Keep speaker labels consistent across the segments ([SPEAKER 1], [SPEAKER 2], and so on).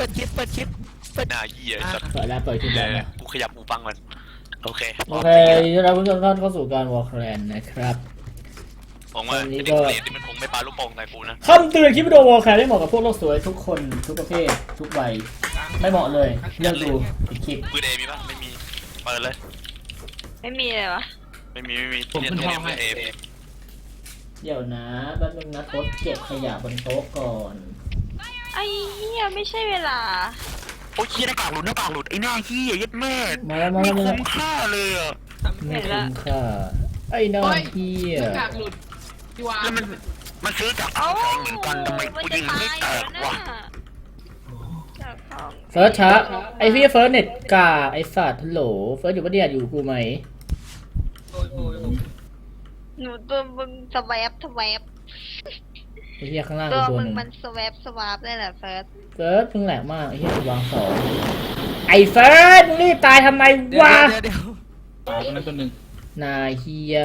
[SPEAKER 1] ปิดคลิป
[SPEAKER 2] หน้าเหี้ยสัตว์
[SPEAKER 3] เปิดแล้วเปิดคลิปแล้วนะ
[SPEAKER 2] กูขยับหูฟังมันโอเค
[SPEAKER 3] โอเคเราผู้ชมท่านเข้าสู่การวอลแครนนะครับ
[SPEAKER 2] ผมว่าไอ้เด็กเรียนที่มันคงไม่ปาลูกโป่งใส่กูนะ
[SPEAKER 3] คำเตือนคลิปวิดีโอวอลแครนได้เหมาะกับพวกโลกสวยทุกคนทุกประเภททุกวัยไม่เหมาะเลยเลือกดูอีกคลิป
[SPEAKER 2] มือเดมีปะไม่มีเปิดเลย
[SPEAKER 4] ไม่มีเลยวะ
[SPEAKER 2] ไม่มีเรียนมือเอ
[SPEAKER 3] เดี๋ยวนะแป๊บนึงนะโต๊ะเก็บขยะบนโต๊ะก่อน
[SPEAKER 4] ไอ้เหี้ยไม่ใช่เวลา
[SPEAKER 2] โอ้ยเหี้ยหน้ากากหลุดไอ้หน้าเหี้ยยัดแม่
[SPEAKER 3] มาแล้ว
[SPEAKER 2] ไม่คุ้มค่าเลยอ่ะ
[SPEAKER 3] ไม่คุ้มค่าไอ้น้องเฮีย
[SPEAKER 1] หน้ากากหลุดพี่วาน
[SPEAKER 2] แล้วมันซื้อจาก
[SPEAKER 4] เอ้า
[SPEAKER 2] แสงเหมือนกันทำไมกูยิงมันไม่แตกวะ
[SPEAKER 4] จากห้อง
[SPEAKER 3] เฟิร์สช้าไอพี่เฟิร์สเน็ตกาไอสัตว์ฮัลโหลเฟิร์สอยู่ปะเนี่ยอยู่กูไหม
[SPEAKER 1] โอ้ย
[SPEAKER 4] หนูตัวมึงสแวบ
[SPEAKER 3] ไอเฮียข้างล่าง
[SPEAKER 4] ตัว
[SPEAKER 3] ตัว
[SPEAKER 4] มึ
[SPEAKER 3] ห
[SPEAKER 4] ง
[SPEAKER 3] นึ่ง
[SPEAKER 4] มันสวาปได้แหละเฟิร์ส
[SPEAKER 3] เฟิร์สเพิ่งแหลกมากไอเฮียวางสองไอเฟิร์สมึงรีบตายทำไมวะ
[SPEAKER 1] เดี๋ยว
[SPEAKER 5] ตายตัวนั้นตัวหนึ่ง
[SPEAKER 3] นายเฮีย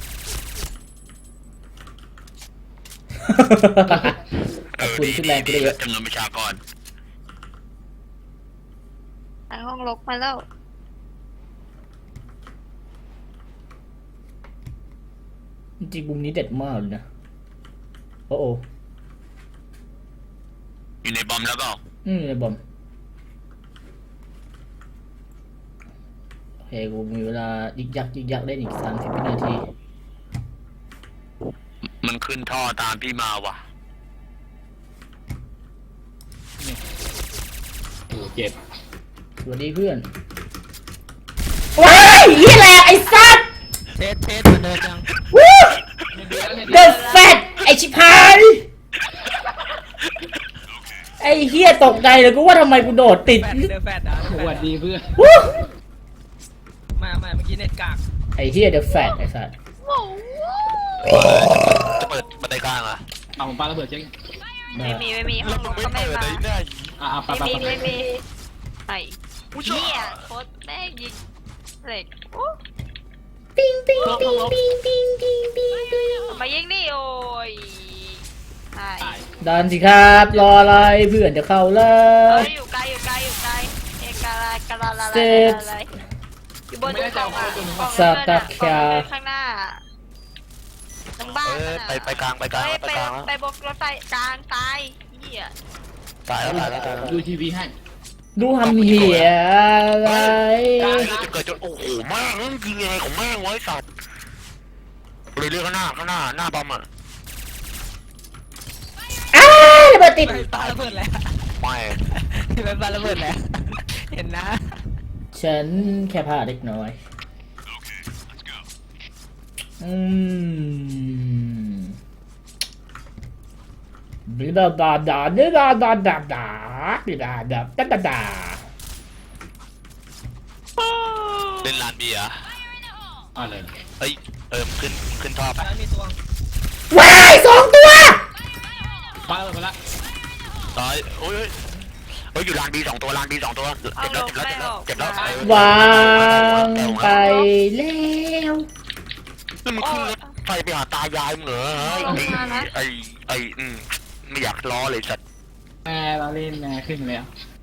[SPEAKER 3] ขอบคุณขึ้นแรงกูได้เยอะ
[SPEAKER 2] จำนวนประชากร
[SPEAKER 4] ไอห้องลกมาแล้ว
[SPEAKER 3] จริงๆมุมนี้เด็ดมากเลยนะโอ้โห
[SPEAKER 2] อยู่ในบอมแล้วเปล่า
[SPEAKER 3] ในบอมโอเคกูมีเวลายิกยักได้อีก30วินาที
[SPEAKER 2] มันขึ้นท่อตามพี่มาว่ะ
[SPEAKER 5] โอ้เจ็บ
[SPEAKER 3] สวัสดีเพื่อนว้ายยี่แหละไอ้สัตว์
[SPEAKER 1] เทสเหมือนเดิมจัง
[SPEAKER 3] วู้
[SPEAKER 5] เดือด
[SPEAKER 3] The Fat ไอชิพายไอเฮียตกใจเลยกูว่าทำไมกูโดดติด
[SPEAKER 1] แฟดอ่ะ
[SPEAKER 5] สวัสดีเพื่อน
[SPEAKER 3] วู้
[SPEAKER 1] มาเมื่อกี้เน็ตกาก
[SPEAKER 3] ไอเฮีย The Fat ไอสัตว์
[SPEAKER 4] ว้าว
[SPEAKER 2] จะเปิดบันไดกลางอ่ะ
[SPEAKER 5] เอาผมปาระเบิดเช็ค
[SPEAKER 4] ไม่มีห้องลกก็ไม่มา
[SPEAKER 5] ปา
[SPEAKER 4] ไม่มีไอ้เหี้ยโคตรแม่งยิงเหล็กโอ้
[SPEAKER 3] ปิ้งปิ้งปิ้งปิ้งปิ้งปิ้งปิ้งปิ้ง
[SPEAKER 4] มายิงนี่โอ้ยใช่
[SPEAKER 3] ดันสิครับรออะไรเพื่อนจะเข้าแล้
[SPEAKER 4] เอ้
[SPEAKER 3] วย
[SPEAKER 4] อยู่ไกลเอกาลอยู่บนกล่องข้างหน้าตรงบ้าน
[SPEAKER 2] ไปกลางแล้ว
[SPEAKER 4] ไปบกรถไฟกลางตายเหี้ย
[SPEAKER 2] ตายแล้ว
[SPEAKER 5] ดูทีวีให้
[SPEAKER 3] ดูทำเหี้ยอะไร
[SPEAKER 2] จะเกิดจนโอ้โหแม่งยิงยังไงของแม่งไว้สัตว์เรื่อยๆข้างหน้าบอมอ่ะ
[SPEAKER 3] อ้าวระเบิดติด
[SPEAKER 1] ปาระเบิดแล้ว
[SPEAKER 2] ไม่
[SPEAKER 1] ที่เป็นปาระเบิดแล้วเห็นนะ
[SPEAKER 3] ฉันแค่พลาดเล็กน้อยบลาบลาดาดาดาดาดาดาดาดาดาดาดา
[SPEAKER 2] เล่นลานเบียร์
[SPEAKER 5] อะไร
[SPEAKER 2] เฮ้ยขึ้นท่อไป
[SPEAKER 1] แล้วมีตัว
[SPEAKER 3] ว้าย2 ตัว
[SPEAKER 5] ปาระเบิดไปละ
[SPEAKER 2] ร้อยโอ้ยอยู่ลานบี2 ตัวเจ็บแล้ว
[SPEAKER 3] วางไปแล้ว
[SPEAKER 2] นี่มึงขึ้นรถไฟไปหาตายายมึงเหรอไอ้ไม่อยากล้อเลยสัตว์
[SPEAKER 5] แม่เราเล่นแม่ขึ้นแล้ว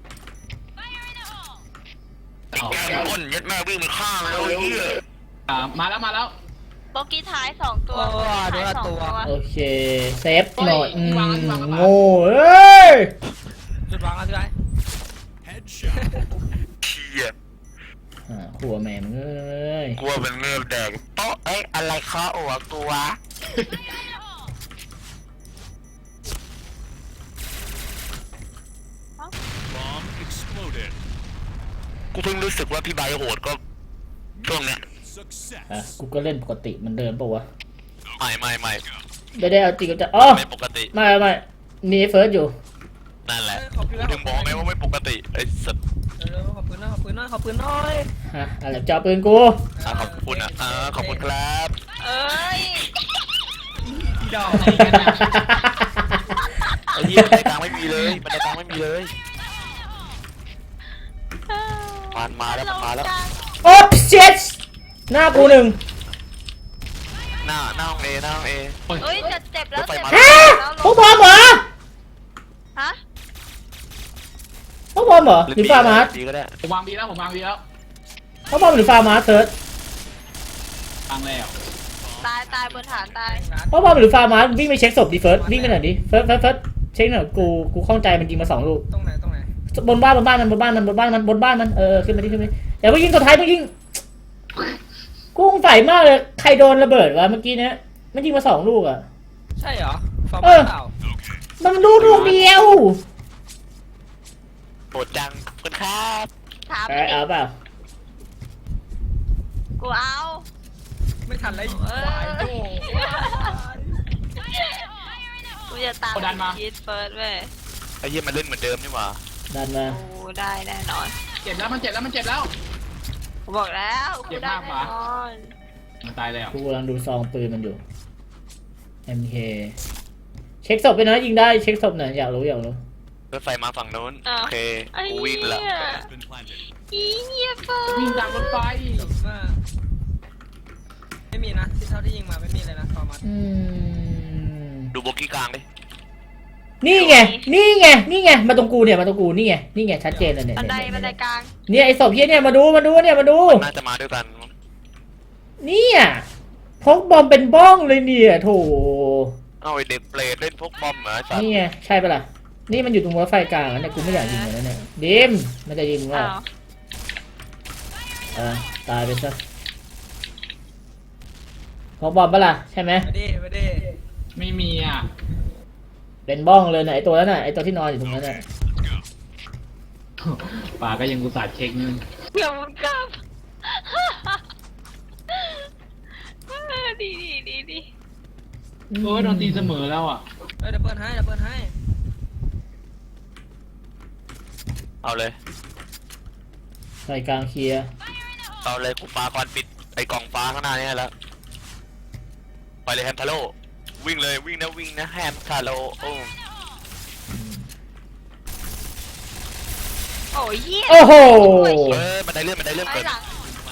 [SPEAKER 2] แกก้นยัดแม่วิ่งไปข้างแล้วไอ้เหี้ย
[SPEAKER 5] มาแล้ว
[SPEAKER 4] โบกี้ท้าย2 ตัวท้าย2 ตัว
[SPEAKER 3] โอเคเซฟหน่อยโง่เอ้ย
[SPEAKER 1] จุดวางแล้วใช่ไหม
[SPEAKER 2] เชี่ย
[SPEAKER 3] ขัวแม่มึงเอ้ย
[SPEAKER 2] กลัวเป็นเงือบแดกโต๊ะอะไรคะโอ้กลัวกูเพิ่งรู้สึกว่าพี่ใบโหดก็ช่วงเนี้ย
[SPEAKER 3] กูก็เล่นปกติมันเดิมปะวะ
[SPEAKER 2] ไม่
[SPEAKER 3] ไม่ได้เอาจริงจะอ๋อ
[SPEAKER 2] ไม่ปกติ
[SPEAKER 3] ไม่มีเฟิร์สอยู่
[SPEAKER 2] นั่นแหละถึงบอกไงว่าไม่ปกติไอ้สัตว์
[SPEAKER 1] ขอบปืนน้อย
[SPEAKER 3] ฮะอะไรจ่อปืนกู
[SPEAKER 2] ขอบคุณนะขอบคุณครับ
[SPEAKER 4] เอ้ย
[SPEAKER 1] พี่ดอก
[SPEAKER 2] ไอ้เหี้ยบันไดกลางไม่มีเลยมาแล้ว
[SPEAKER 3] โอ๊บเช็ดหน้ากู1
[SPEAKER 2] หน้าห้องเอ
[SPEAKER 4] เอ้ยจะเจ็บแล้ว
[SPEAKER 3] ฮะพวกบอมเหรอ
[SPEAKER 4] ฮะ
[SPEAKER 3] บอมเหรอหรือฟาร์มาร์ส
[SPEAKER 2] ดีก็ได้
[SPEAKER 5] ผมวางบีแล้วผมวางบีแล้ว
[SPEAKER 3] เขาบอมหรือฟาร์มาร์สเซิร์ช
[SPEAKER 5] วางแล้ว
[SPEAKER 4] ตายบนฐานตาย
[SPEAKER 3] เขาบอมหรือฟาร์มาร์สวิ่งไปเช็คศพดิเฟิร์สวิ่งไปหน่อยดิเฟิร์สเช็คหน่อยกูข้องใจมันยิงมา2 ลูก
[SPEAKER 1] ตรงไหน
[SPEAKER 3] บนบ้านมันขึ้นมาดิอย่าไปยิงตัวท้ายมึงยิงกูสงสัยมากเลยใครโดนระเบิดวะเมื่อกี้เนี้ยมันยิงมา2 ลูกอ่ะ
[SPEAKER 1] ใช่เหรอฟอร์ม
[SPEAKER 3] เออ
[SPEAKER 1] เปล่า
[SPEAKER 3] มันลูกเดียว
[SPEAKER 2] โปรดจังคุณครับ
[SPEAKER 4] ถาม
[SPEAKER 3] เอาเปล่า
[SPEAKER 4] กูเอา
[SPEAKER 1] ไม่ทันเลย
[SPEAKER 4] เออ กูจะตามคิดเฟิร์สเว้ย
[SPEAKER 2] ไอ้เหี้ยมันเล่นเหมือนเดิมนี่หว่า
[SPEAKER 3] ดันมา
[SPEAKER 4] กูได้แน่นอน
[SPEAKER 5] เจ็บแล้วมันเจ็บแล้วมันเจ็บแล้ว
[SPEAKER 4] กูบอกแล้วกูได้แน่นอน
[SPEAKER 5] มันตายแล้ว
[SPEAKER 3] กูกำลังดูซองปืนมันอยู่ MK เช็คศพไปนะยิงได้เช็คศพหน่อยอยากรู้
[SPEAKER 2] รถไฟมาฝั่งนู้นโอเค
[SPEAKER 4] ไอ้
[SPEAKER 2] กู
[SPEAKER 4] เหี้
[SPEAKER 2] วิ่งแล้ว
[SPEAKER 4] ยอีเหี้ยเฟิร์
[SPEAKER 5] วิ่ง
[SPEAKER 4] ส
[SPEAKER 5] ตามรถไฟ
[SPEAKER 1] จบมากไม่มีนะที่เท่าที่ยิงมาไม่มีเลยนะฟอร์มัต
[SPEAKER 2] ดูโบกี้กลางดิ
[SPEAKER 3] นี่ไงมาตรงกูนี่ไงชัดเจนเลยเนี่ย
[SPEAKER 4] บันไดกลาง
[SPEAKER 3] เนี่ยไอ้ศพเฮียเนี่ยมาดู
[SPEAKER 2] น่าจะมาด้วยกัน
[SPEAKER 3] เนี่ยพกบอมเป็นบ้องเลยเนี่ยโถ
[SPEAKER 2] เอาไอเด็กเปรตเล่นพกบอมเหรอไอ้สัตว์
[SPEAKER 3] นี่ไงใช่ปะล่ะนี่มันอยู่ตรงรถไฟกลางเนี่ยกูไม่อยากยิงมันแล้วเนี่ยดิมมันจะยิงว่า
[SPEAKER 4] อ้าว
[SPEAKER 3] ตายไปซะพกบอมปะล่ะใช่ไหม
[SPEAKER 1] ไม่ได้
[SPEAKER 5] ไม่มีอ่ะ
[SPEAKER 3] เป็นบ้องเลยนะไอตัวนั้นน่ะไอตัวที่นอนอยู่ตรงนั้นน่ะ
[SPEAKER 5] ป่าก็ยังกุศลเช็คนึง
[SPEAKER 4] เดี๋ยวมันกลับดี
[SPEAKER 5] โอ้ยโดนตีเสมอแล้วอ่ะ
[SPEAKER 1] เดี๋ยวเปิดให้
[SPEAKER 2] เอาเลย
[SPEAKER 3] ไฟกลางเคลียร์
[SPEAKER 2] เอาเลยกูปาควันปิดไอ้กล่องฟ้าข้างหน้านี่แล้วไปเลยแฮมทาโร่วิ่งนะแฮมทาโร่โอ้
[SPEAKER 4] โอ้ยเหี้ย
[SPEAKER 3] โอ้โห
[SPEAKER 2] บันไดเลื่อน
[SPEAKER 4] ไป
[SPEAKER 2] เกิด
[SPEAKER 4] หลัง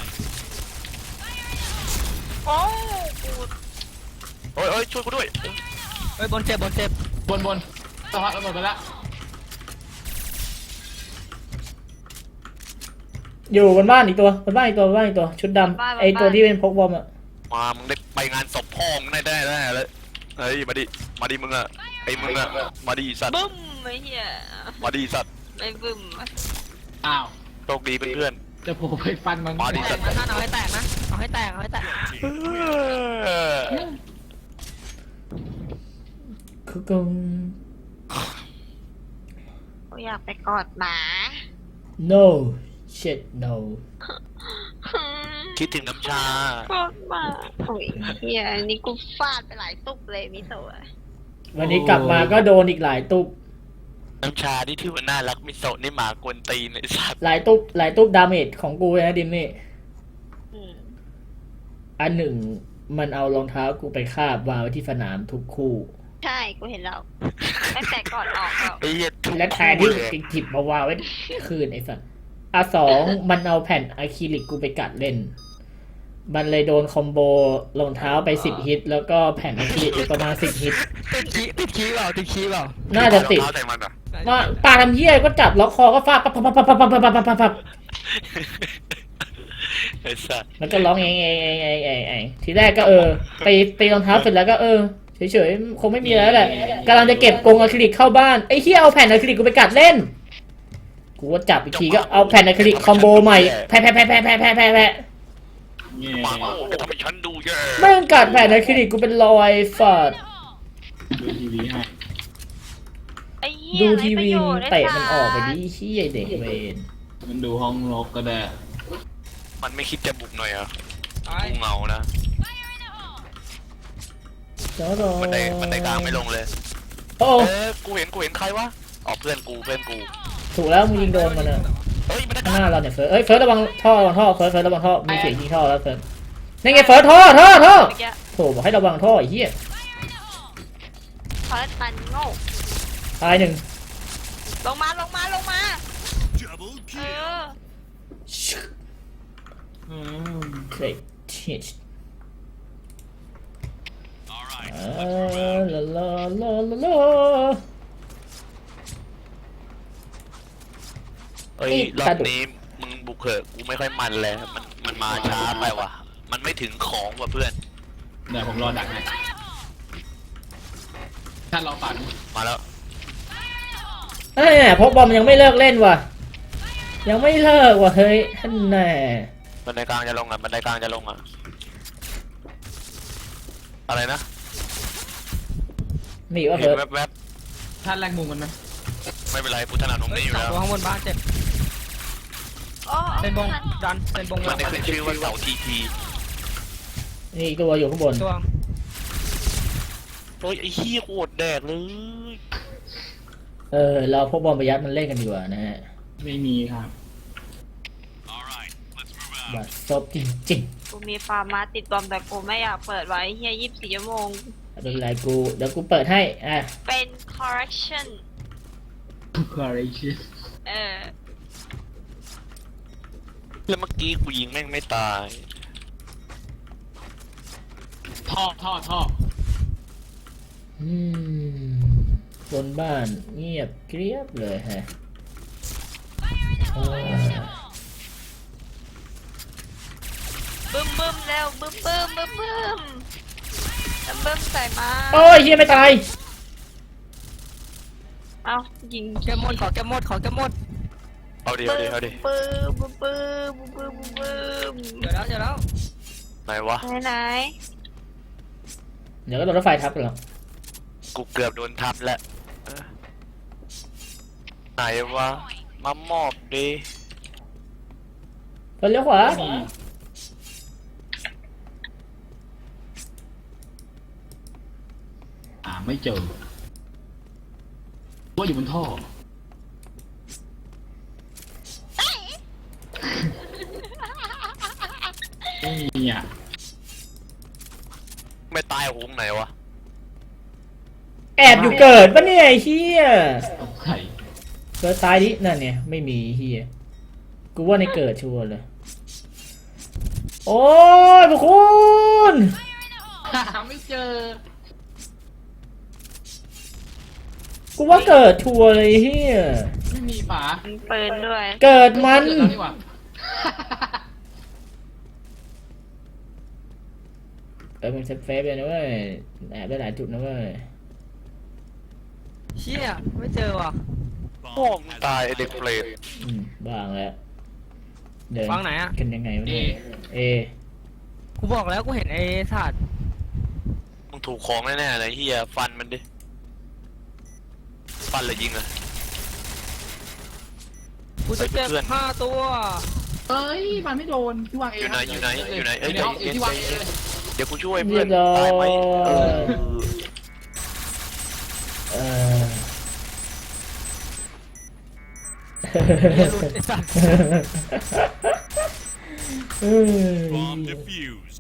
[SPEAKER 4] โอ้กู
[SPEAKER 2] โอ้ยช่วยกูด้วย
[SPEAKER 1] เฮ้ยบนเจ็บบ
[SPEAKER 5] นสะพานระเบิดไปแล้ว
[SPEAKER 3] อยู่บนบ้านอีกตัวชุดดำไอตัวที่เป็นพกบอมอ่ะ
[SPEAKER 2] มามึงได้ไปงานศพพ่อมึงได้เลยเฮ้ยมาดิมึงอะไอ้มึงอะมาดิสัตว์
[SPEAKER 4] บึ้มไอ้เหี้ย
[SPEAKER 2] มาดิสัตว์
[SPEAKER 4] ไม่บึ้ม
[SPEAKER 5] อ้าว
[SPEAKER 2] โชคดีเพื่อน
[SPEAKER 5] จะโผล่ไปฟันมัน
[SPEAKER 2] มาดิ
[SPEAKER 1] แตกนะท่านเอาให้แตกนะเอาให้แตก
[SPEAKER 3] คือกุง
[SPEAKER 4] กูอยากไปกอดหมา
[SPEAKER 3] no shit no
[SPEAKER 2] คิดถึงน้ำชาก
[SPEAKER 4] อดหมาโอ้ยเหี้ยอันนี้กูฟาดไปหลายตุกเลยมิโตะ
[SPEAKER 3] วันนี้กลับมาก็โดนอีกหลายตุก
[SPEAKER 2] น้ำชาที่ถือว่าน่ารักมิโซะนี่หมากวนตีนไอ้สัตว์
[SPEAKER 3] หลายตุกดาเมจของกูเลยนะดิมนี่
[SPEAKER 4] อืม
[SPEAKER 3] อันหนึ่งมันเอารองเท้ากูไปคาบวางไว้ที่สนามทุกคู่
[SPEAKER 4] ใช่กูเห็นแล้วตั้งแต่ก่อนออกแล้ว
[SPEAKER 2] ไอ้เหี้ยทุก
[SPEAKER 3] และแทนที่จะหยิบมาวางไว้คืนไอ้สัส2มันเอาแผ่นอะคริลิกกูไปกัดเล่น มันเลยโดนคอมโบรองเท้าไป10 ฮิตแล้วก็แผ่นอะคริลิกอีกประมาณ10 ฮิต
[SPEAKER 1] ติดคีเปล่า
[SPEAKER 3] น่าจะติด
[SPEAKER 2] เอารองเท้าใส่มันอะ
[SPEAKER 3] ว่าปาทำเหี้ยก็จับล็อกคอก็ฟาดปั๊บ
[SPEAKER 2] ไอ้สัตว์
[SPEAKER 3] แล้วก็ร้องเองทีแรกก็ตีรองเท้าเสร็จแล้วก็เฉยๆคงไม่มีแล้วแหละกำลังจะเก็บกรงอะคริลิกเข้าบ้านไอ้เหี้ยเอาแผ่นอะคริลิกกูไปกัดเล่นกูก็จับอีกทีก็เอาแผ่นอะคริลิกคอมโบใหม่แพ้
[SPEAKER 5] เงี้ย
[SPEAKER 2] หมาโง่จะทำให้ฉันดูแย่
[SPEAKER 3] แม่งกัดแผ่นอะคริลิกกูเป็นรอยฝัด
[SPEAKER 5] ดูทีวีให้
[SPEAKER 4] ไอ้เหี้ย
[SPEAKER 3] ดูทีวี
[SPEAKER 4] ไร้ประโยชน์
[SPEAKER 3] เตะมันออกไปดิเหี้ยเด็กเวน
[SPEAKER 5] มันดูห้องรกก็ได้
[SPEAKER 2] มันไม่คิดจะบุกหน่อยเหรอ
[SPEAKER 1] ตาย
[SPEAKER 2] กูเงานะ
[SPEAKER 3] จ้ารอ
[SPEAKER 2] บันไดกลางไม่ลงเลย
[SPEAKER 3] โอ้
[SPEAKER 2] กูเห็นใครวะอ๋อเพื่อนกู
[SPEAKER 3] ถูกแล้วมึงยิงโดนมันอะ
[SPEAKER 2] เฮ้ยมันได้
[SPEAKER 3] ข้างหน้าเราเนี่ยเฟิร์สระวังท่อเฟิร์สระวังท่อมีเสียงยิงท่อแล้วเฟิร์สนี่ไงเฟิร์สท่อ
[SPEAKER 4] เมื่อกี้
[SPEAKER 3] โถบอกให้ระวังท่อไอ้เหี้ย
[SPEAKER 4] เฟิร์สมันโง่
[SPEAKER 3] ตายหนึ่ง
[SPEAKER 4] ลงมา
[SPEAKER 3] เคลทิชลา
[SPEAKER 2] เอ้ยรอบนี้มึงบุกเถอะกูไม่ค่อยมันเลยมันมาช้าไปว่ะมันไม่ถึงของว่ะเพื่อน
[SPEAKER 5] เดี๋ยวผมรอดักให้ท่านรอฝัน
[SPEAKER 2] มาแล้ว
[SPEAKER 3] เอ้ยพกบอมยังไม่เลิกเล่นว่ะยังไม่เลิกว่ะเฮ้ยท่านแน่
[SPEAKER 2] บันไดกลางจะลงอ่ะบันไดกลางจะลงอ่ะอะไรนะ
[SPEAKER 3] มีว่า
[SPEAKER 2] เห็
[SPEAKER 3] เฮ้
[SPEAKER 2] น
[SPEAKER 3] ย
[SPEAKER 2] แวบ
[SPEAKER 5] ท่านแรกมุมมันไหม
[SPEAKER 2] ๆไม่เป็นไรกูถนัดตรง
[SPEAKER 1] เฮ้ย
[SPEAKER 2] นี้อยู่
[SPEAKER 1] สอง
[SPEAKER 2] แล้ว
[SPEAKER 1] ตัวข้างบนบ้านเจ็บ
[SPEAKER 4] โอ้
[SPEAKER 1] เป็นบงดันเป็นบง
[SPEAKER 2] มันได้ขึ้นชื่อว่าเสาทีที
[SPEAKER 3] นี่ตัวอยู่ข้างบน
[SPEAKER 1] ตัว
[SPEAKER 2] โอ้ยไอ้เหี้ยโคตรแดกเลย
[SPEAKER 3] เราพกบอมไปยัดมันเล่นกันดีกว่านะฮะ
[SPEAKER 5] ไม่มีครับ
[SPEAKER 3] บัดซบจริง
[SPEAKER 4] กูมีฟาร์มาติดบอมแต่กูไม่อยากเปิดไว้เฮีย24 ชั่วโมง
[SPEAKER 3] ๆไม่เป็นไรกูเดี๋ยวกูเปิดให้อ่ะ
[SPEAKER 4] เป็น correction
[SPEAKER 5] อะไรชิส
[SPEAKER 4] เออ
[SPEAKER 2] แล้วเมื่อกี้กูยิงแม่งไม่ตาย
[SPEAKER 5] ท่อ
[SPEAKER 3] อืมบนบ้านเงียบเกรียบเลยฮะเออ
[SPEAKER 4] บึ้มบึ้มเร็วบึ้มบึ้มบึ้มบึ้มบึ้มใส่มา
[SPEAKER 3] โอ้ยเฮียไม่ตาย
[SPEAKER 4] เอายิง
[SPEAKER 1] แก้มหมดขอแก้มหมดขอแก้มหมด
[SPEAKER 2] เอาดิ
[SPEAKER 4] บึ้
[SPEAKER 2] เอา
[SPEAKER 4] ม
[SPEAKER 2] ดิ
[SPEAKER 4] บึ้มบึ้มบึ้มบึ้มบึ้ม
[SPEAKER 1] เจอแล้วเจอแล้ว
[SPEAKER 2] ไหนวะ
[SPEAKER 4] ไหน
[SPEAKER 3] เดี๋ยวก็โดนรถไฟทับกันหรอก
[SPEAKER 2] กูเกือบโดนทับแล้วเออไหนวะมามอบดิ
[SPEAKER 3] เลี้ยวขวา
[SPEAKER 5] ไม่เจอว่าอยู่บนท่อไม่มีอ่ะ
[SPEAKER 2] ไม่ตายหงไหนวะ
[SPEAKER 3] แอบอยู่เกิดปะเนี่ยไอ้เฮีย
[SPEAKER 5] เอาไข่
[SPEAKER 3] เกิดตายดินั่นเนี่ยไม่มีเฮียกูว่าในเกิดชัวร์เลยโอ้ยพวกคุณ
[SPEAKER 5] หาไม่เจอ
[SPEAKER 3] กูว่าเกิดชัวร์เลยเฮีย
[SPEAKER 5] ไม่มีฝา
[SPEAKER 4] ๆมีปืนด้วย
[SPEAKER 3] เกิดมัน
[SPEAKER 5] เจอแล้วนี่หว่า
[SPEAKER 3] เป็นเซฟเฟฟเลยนะเว้ยแอบได้หลายจุดนะเว้ย
[SPEAKER 1] เชี่ยไม่เจอว่ะ
[SPEAKER 2] พ่อมึงตายไอ้เด็กเปรต
[SPEAKER 3] บ้างแล้วเดิน
[SPEAKER 1] วางไหนอ่ะ
[SPEAKER 3] กันยังไงวะเนี่ยเอ
[SPEAKER 1] กูบอกแล้วกูเห็นไอ้ถาด
[SPEAKER 2] มึงถูกของแน่ๆเลยเฮียฟันมันดิฟันเลยยิงเลย
[SPEAKER 1] กูจะเจ็บ
[SPEAKER 2] เพื่อน
[SPEAKER 1] 5 ตัว
[SPEAKER 5] เอ้ยมันไม่โดนที่วางเอง
[SPEAKER 2] อยู่ไหนอยู่ไหนอยู่ไหนเอ้ย
[SPEAKER 5] ในห้องที่วางเองเลย
[SPEAKER 2] เดี๋ยวกูช่วย
[SPEAKER 3] เรี
[SPEAKER 2] เพื่อย น
[SPEAKER 3] บร้อ
[SPEAKER 2] ตายไหม
[SPEAKER 3] ย
[SPEAKER 2] เออ
[SPEAKER 3] เออ
[SPEAKER 1] เหี้ยหลุดไอ้สัตว์
[SPEAKER 6] Bomb defused.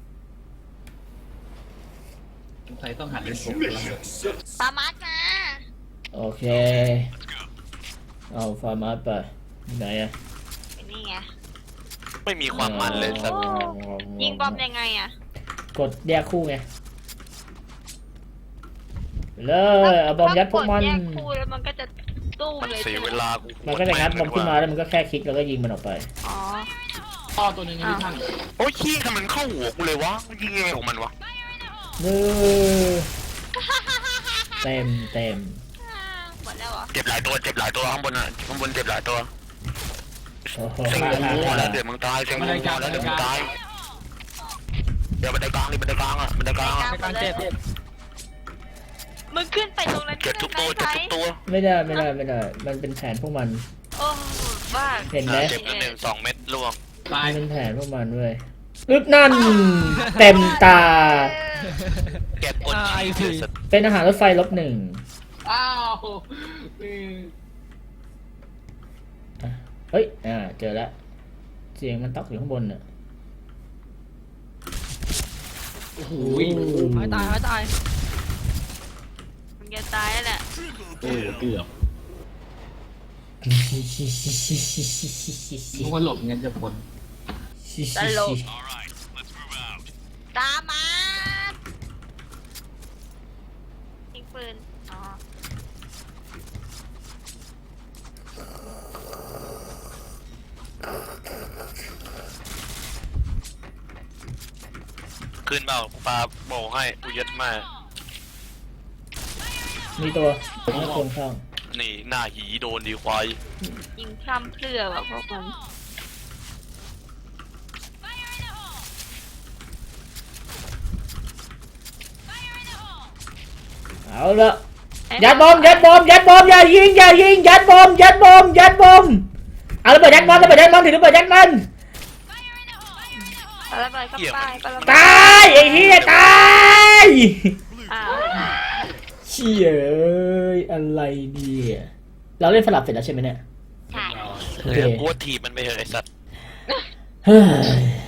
[SPEAKER 5] สงสัยต้องหัดเล่นโป๊กแล้ว
[SPEAKER 4] ฟาร์มามา
[SPEAKER 3] โอเคเอาฟาร์มาไปไหนอะ
[SPEAKER 4] นี่ไง
[SPEAKER 2] ไม่มีความมันเลยสัก
[SPEAKER 4] ยิงบอมยังไงอะ
[SPEAKER 3] กดแยกคู่ไงเลยเอาบอมยัดพวกมัน
[SPEAKER 4] ถ้ากดแยกคู่แล้วมันก็จะตู้มเลย
[SPEAKER 2] เสียเวลากู
[SPEAKER 3] มันก็จะงัดบอมขึ้นมาแล้วมันก็แค่คลิกแล้วก็ยิงมันออกไป
[SPEAKER 4] อ๋อ
[SPEAKER 5] ท่อตัวหนึงนะพี่ท่าน
[SPEAKER 2] โอ้ยขี้ทำไมมันเข้าหัวกูเลยวะมันยิงยังไงของมันวะ
[SPEAKER 3] เต็มเต็ม
[SPEAKER 4] หมดแล้วเหรอ
[SPEAKER 2] เจ็บหลายตัวเจ็บหลายตัวข้างบนอ่ะข้างบนเจ็บหลายตัว
[SPEAKER 3] โอ้โห
[SPEAKER 2] เสียงกูพอแล้วเดี๋ยวมึงตายเสียงกูพอแล้วเดี๋ยวมึงตายเดี๋ยวบันไดกลางนี่บันไดกลางอ่ะบันไดกลางอ่ะ
[SPEAKER 1] ในการเจ็บ
[SPEAKER 4] มึงขึ้นไปตรงนั้น
[SPEAKER 2] เจ็บทุกตัวเจ็บทุกตัว
[SPEAKER 3] ไม่ได้ไม่ได้ไม่ได้ มันเป็นแผนพวกมัน
[SPEAKER 4] โอ้บ้า
[SPEAKER 3] เห็นไหม
[SPEAKER 2] เจ็บแล้ว1 2 เม็ดล่วง
[SPEAKER 5] ตาย
[SPEAKER 3] มันเป็นแผนพวกมันเว้ยอึ๊บนั่น เต็มตา
[SPEAKER 2] เก็บกดยิงเสือสัตว์
[SPEAKER 3] เป็นอาหารรถไฟลบ1
[SPEAKER 5] อ้าวเออ
[SPEAKER 3] เฮ้ยเจอแล้วเสียงมันต๊อกอยู่ข้างบนน่ะ
[SPEAKER 5] โอ้โห
[SPEAKER 1] ไม่ตายไม่ตาย
[SPEAKER 4] มึงจะตายแล้วแหละ
[SPEAKER 5] เออเกือบมึงว่าหลบเงินจะผล
[SPEAKER 4] ตลก
[SPEAKER 6] All right, let's move out.
[SPEAKER 4] ตามมายิงปืน อ๋อ
[SPEAKER 2] ขึ้นเปล่ากูปาโบให้กูยัดมา
[SPEAKER 3] มีตัวไม่ควรเข้า
[SPEAKER 2] นี่หน้าหีโดนดีควาย
[SPEAKER 4] ยิงพร่ำเพรื่อแบบพวกมัน
[SPEAKER 3] เอาละยัดบอมอย่ายิงยัดบอมเอาระเบิดยัดมันถือระเบิดยัดมัน
[SPEAKER 4] ปาระเบิดเข้าไปปาระเบิด
[SPEAKER 3] ตายไอ้เหี้ยตาย
[SPEAKER 4] อ้าว
[SPEAKER 3] เชี่ยเอ้ยอะไรเนี่ยเราเล่นสลับเสร็จแล้วใช่ไหมเนี่ย
[SPEAKER 4] ใช่
[SPEAKER 3] โอเค
[SPEAKER 2] กูว่าทีบมันไปเถอะไอ้สัตว์
[SPEAKER 3] เฮ้ย